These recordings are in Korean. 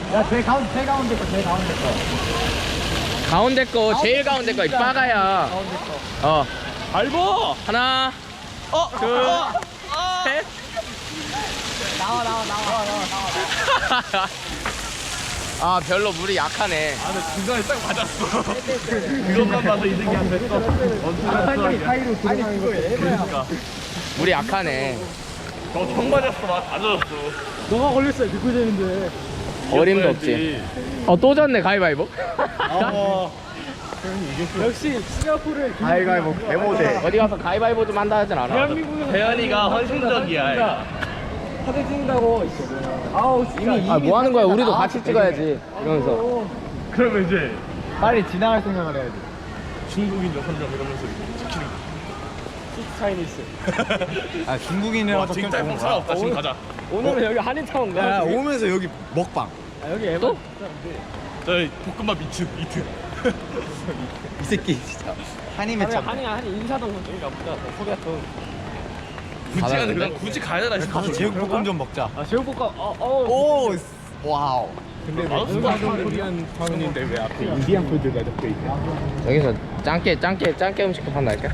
야, 제일 가운데 거. 가운데 거, 제일 가운데 거, 이 빠가야. 가운데 거. 밟어! 하나, 둘, 셋. 나와. 아, 별로 물이 약하네. 근데 중간에 딱 맞았어. 그것만 봐서 이득이 안 됐어. 사이로 들어가는 거. 그러니까. 물이 약하네. 형 맞았어. 다 젖었어. 너가 걸렸어요. 비꿀잼인데. 어림도 없지. 또 졌네, 가위바위보. 역시 싱가포르의 가위바위보 개모대. 어디 가서 가위바위보 좀 한다 하진 않아. 대한민국은 대현이가 헌신적이야. 사진 찍는다고. 아우, 이미 아, 뭐 하는 거야? 우리도 같이 찍어야지. 이러면서. 그러면 이제 빨리 지나갈 생각을 해야지. 중국인 6명 이러면서 지키는 거. 차이니스. 아 중국인이라서 지금 짧은 사람 없다. 지금 가자. 오늘은 여기 한인타운가? 야 오면서 여기 먹방 아, 여기 에바. 또? 저희 볶음밥 이트. 이 새끼 진짜 한이 맺혔네 한인 인사동 여기가 보자. 소개했던. 굳이 가는 그냥 굳이 가야 되나 싶어. 가서 제육볶음 좀 먹자 아, 제육볶음. 오 와우 근데 인사동을 위한 타운인데 왜 앞에 인디안 푸드가 적혀 있냐? 여기서 짱깨 음식도 판다니까?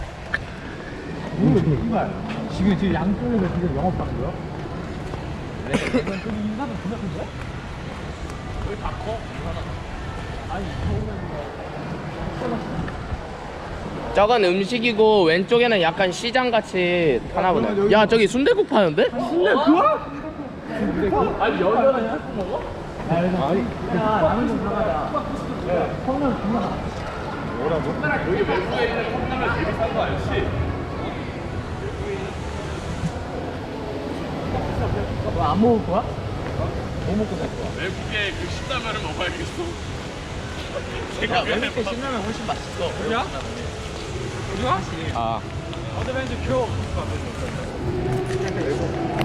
지금 양쪽에서 지금 영업하는 거야? 여기 인사동 존나 큰데? 여기 다 커. 아니, 저건 음식이고 왼쪽에는 약간 시장같이 하나 보네. 야, 저기 순대국 파는데? 아니, 여전히 할수 먹어? 아니, 야, 라면 좀 사가자. 컵라면 존나. 여기 외국에 있는 컵라면 제일 비싼 거 알지? 안 먹을 거야? 뭐 먹고 살 거야? 외국에 그 신라면을 먹어야겠어. 야, 외국에 신라면 훨씬 맛있어. 그냥? 그냥? 아. 어드벤처 교.